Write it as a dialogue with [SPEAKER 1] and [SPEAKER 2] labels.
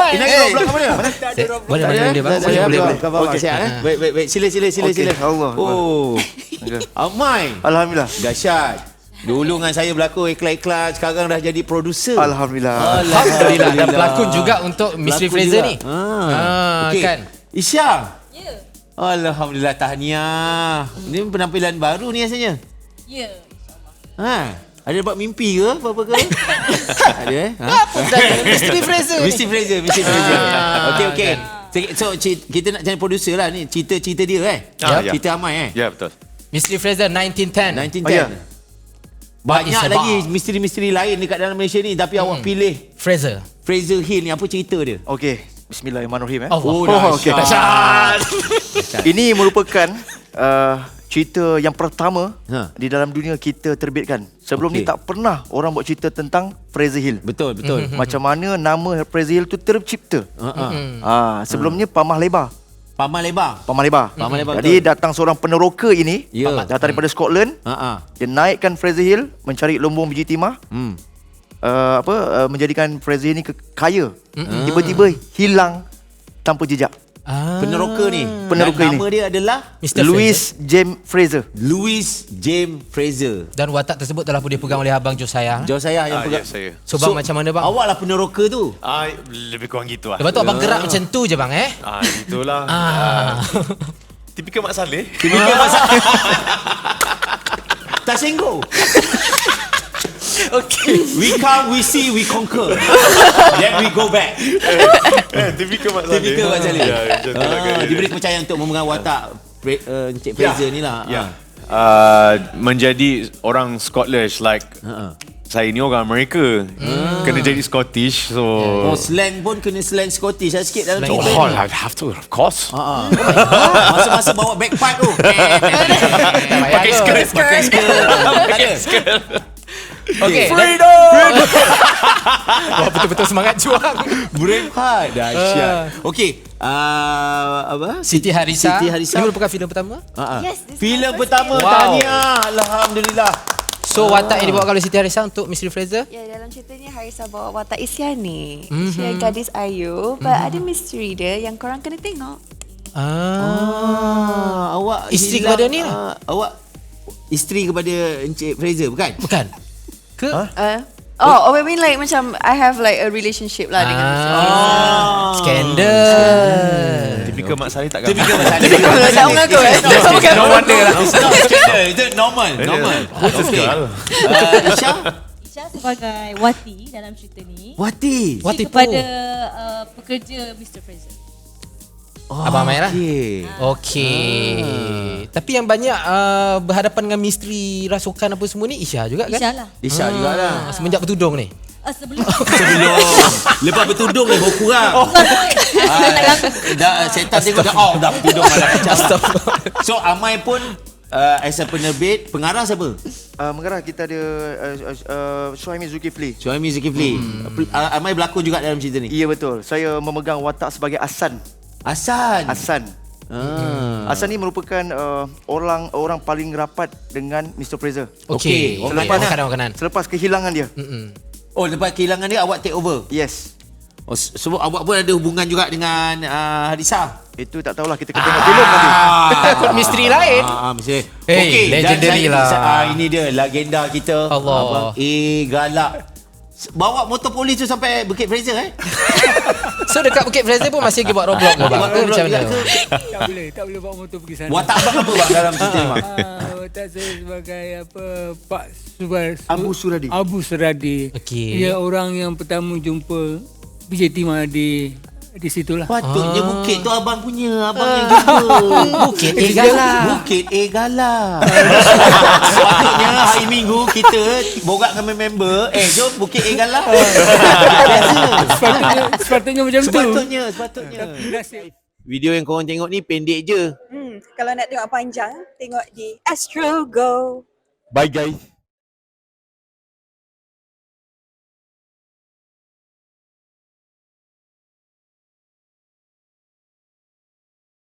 [SPEAKER 1] Amai.
[SPEAKER 2] Ini Roblox apa dia?
[SPEAKER 1] Boleh bang.
[SPEAKER 2] Boleh.
[SPEAKER 3] Okey.
[SPEAKER 2] Baik. Sila.
[SPEAKER 3] Allah.
[SPEAKER 2] Oh. Amai.
[SPEAKER 3] Alhamdulillah.
[SPEAKER 2] Dahsyat. Dulu dengan saya berlakon iklan-iklan, sekarang dah jadi producer.
[SPEAKER 3] Alhamdulillah.
[SPEAKER 1] Dan pelakon juga untuk Mystery Fraser ni.
[SPEAKER 2] Okey.
[SPEAKER 1] Kan.
[SPEAKER 2] Isyam.
[SPEAKER 4] Ya.
[SPEAKER 2] Alhamdulillah, tahniah. Ni penampilan baru ni rasanya.
[SPEAKER 4] Ya.
[SPEAKER 2] Ada dapat mimpi ke apa ke? Ada
[SPEAKER 1] Mystery Fraser ni.
[SPEAKER 2] Mystery Fraser. Okey. So kita nak cari producer lah ni. Cerita dia Cerita Amai
[SPEAKER 5] Ya, betul.
[SPEAKER 1] Mystery Fraser 1910.
[SPEAKER 2] 1910.
[SPEAKER 3] Oh, ya.
[SPEAKER 2] Banyak
[SPEAKER 1] What is
[SPEAKER 2] lagi
[SPEAKER 1] about?
[SPEAKER 2] misteri-misteri lain dekat dalam Malaysia ni, tapi awak pilih
[SPEAKER 1] Fraser.
[SPEAKER 2] Fraser Hill ni. Apa cerita dia?
[SPEAKER 3] Okey. Bismillahirrahmanirrahim.
[SPEAKER 2] Okey.
[SPEAKER 3] Dahsyat. Ini merupakan cerita yang pertama di dalam dunia kita terbitkan. Sebelum ni tak pernah orang buat cerita tentang Fraser Hill.
[SPEAKER 2] Betul.
[SPEAKER 3] Macam mana nama Fraser Hill tu tercipta. Sebelumnya Pamah Lebar.
[SPEAKER 2] Paman Lebar.
[SPEAKER 3] Jadi datang seorang peneroka ini,
[SPEAKER 2] Ya.
[SPEAKER 3] datang daripada Scotland. Dia naikkan Fraser Hill mencari lumbung biji timah. Menjadikan Fraser Hill ni kaya. Tiba-tiba hilang tanpa jejak.
[SPEAKER 2] Peneroka ni.
[SPEAKER 3] Peneroka
[SPEAKER 2] Dan
[SPEAKER 3] ini.
[SPEAKER 2] nama dia adalah
[SPEAKER 1] Mr.
[SPEAKER 3] Louis James Fraser.
[SPEAKER 2] Louis James Fraser.
[SPEAKER 1] Dan watak tersebut telah pun dipegang oleh Abang Josiah.
[SPEAKER 2] Josiah yang
[SPEAKER 5] Ya,
[SPEAKER 2] pegang.
[SPEAKER 5] saya.
[SPEAKER 1] So bang, macam mana bang?
[SPEAKER 2] Awak lah peneroka tu.
[SPEAKER 5] Lebih kurang gitu lah.
[SPEAKER 1] Lepas tu abang gerak macam tu je bang
[SPEAKER 5] Itulah. Tipikal Mak Saleh.
[SPEAKER 2] Tak sengguh.
[SPEAKER 1] Okay.
[SPEAKER 2] We come, we see, we conquer. Then we go back.
[SPEAKER 5] Tipikal Mak Saleh.
[SPEAKER 2] Tipikal Mak Saleh.
[SPEAKER 5] Ya, macam tu lah kan.
[SPEAKER 2] Diberi kepercayaan untuk memegang watak Encik Fraser ni lah.
[SPEAKER 5] Ya. Menjadi orang Scottish like saya ni orang Amerika. Kena jadi Scottish. So
[SPEAKER 2] slang pun kena slang Scottish lah sikit dalam cerita
[SPEAKER 5] oh,
[SPEAKER 2] ni.
[SPEAKER 5] I have to, of course.
[SPEAKER 2] Masa-masa bawa bagpipe tu.
[SPEAKER 1] Pakai skirt.
[SPEAKER 2] Pakai skirt.
[SPEAKER 1] Okay.
[SPEAKER 2] Freedom!
[SPEAKER 1] Wah, betul-betul semangat juang.
[SPEAKER 2] Braveheart. Dahsyat. Okey. Apa?
[SPEAKER 1] Siti Harisa.
[SPEAKER 2] Siti Harisa.
[SPEAKER 1] Ini merupakan filem pertama?
[SPEAKER 4] Yes, this is
[SPEAKER 2] Filem
[SPEAKER 4] my first
[SPEAKER 2] pertama.
[SPEAKER 1] Wow.
[SPEAKER 2] Tahniah. Alhamdulillah.
[SPEAKER 1] So watak yang dibawa oleh Siti Harisa untuk Mystery Fraser?
[SPEAKER 4] Ya, dalam cerita ni Harisa bawa watak Isyani. Dia gadis ayu, but ada misteri dia yang korang kena tengok.
[SPEAKER 2] Awak
[SPEAKER 1] Isteri
[SPEAKER 2] hilang,
[SPEAKER 1] kepada ni lah.
[SPEAKER 2] awak isteri kepada Encik Fraser bukan?
[SPEAKER 1] Bukan. Ke?
[SPEAKER 4] I mean like macam I have like a relationship lah dengan Mr.
[SPEAKER 1] Skandal.
[SPEAKER 5] Tipikal Mak Saleh takkan.
[SPEAKER 2] Tipikal Mak Saleh.
[SPEAKER 4] Tak mengaku
[SPEAKER 1] No wonder lah.
[SPEAKER 2] Skandal. Itu normal. Okey. Isha?
[SPEAKER 6] Isha sebagai Wati dalam cerita ni.
[SPEAKER 2] Wati.
[SPEAKER 1] Wati
[SPEAKER 6] Kepada pekerja Mr. Fraser.
[SPEAKER 1] Abang Amai lah.
[SPEAKER 2] Okey.
[SPEAKER 1] Tapi yang banyak berhadapan dengan misteri rasukan apa semua ni Isha juga kan?
[SPEAKER 6] Isha lah.
[SPEAKER 2] Isha jugalah.
[SPEAKER 1] Semenjak bertudung ni.
[SPEAKER 6] Sebelum
[SPEAKER 2] Sebelum lepas bertudung ni baru kurang. Dah setan tengok dah bertudung malah kacau. So Amai pun as a penerbit, pengarah siapa?
[SPEAKER 3] Mengarah kita ada Suhaimi Zulkifli.
[SPEAKER 2] Suhaimi Zulkifli. Amai berlakon juga dalam cerita ni.
[SPEAKER 3] Ya betul. Saya memegang watak sebagai Hasan.
[SPEAKER 2] Hasan.
[SPEAKER 3] Hasan ni merupakan orang paling rapat dengan Mr. Fraser.
[SPEAKER 1] Okey.
[SPEAKER 2] Orang
[SPEAKER 1] Makanan.
[SPEAKER 3] Selepas kehilangan dia.
[SPEAKER 2] Oh, lepas kehilangan dia awak take over.
[SPEAKER 3] Yes.
[SPEAKER 2] Oh, so awak pun ada hubungan juga dengan Harisa.
[SPEAKER 3] Itu tak tahulah, kita kena tengok filem nanti.
[SPEAKER 1] Takut misteri lain.
[SPEAKER 2] Mesti.
[SPEAKER 1] Hey,
[SPEAKER 2] Okey,
[SPEAKER 1] legendary lah.
[SPEAKER 2] Ini dia legenda kita.
[SPEAKER 1] Allah.
[SPEAKER 2] Abang galak. Bawa motor polis tu sampai Bukit Fraser
[SPEAKER 1] So dekat Bukit Fraser pun masih pergi buat Roblox ke bang? Ke macam mana?
[SPEAKER 7] Tak boleh bawa motor pergi sana.
[SPEAKER 2] Watak abang apa bang dalam cerita ni bang?
[SPEAKER 7] Watak saya sebagai Pak Subar
[SPEAKER 3] Abu Suradi.
[SPEAKER 1] Okey.
[SPEAKER 7] Dia orang yang pertama jumpa biji timah di situlah.
[SPEAKER 2] Patutnya bukit tu abang punya. Abang yang jumpa.
[SPEAKER 1] Bukit Egala.
[SPEAKER 2] Bukit Egala. Patutnya hari Minggu kita borak dengan member. Jom Bukit Egala.
[SPEAKER 7] Sepatutnya macam tu.
[SPEAKER 2] Sepatutnya. Video yang korang tengok ni pendek je.
[SPEAKER 4] Kalau nak tengok panjang, tengok di Astro Go.
[SPEAKER 5] Bye guys.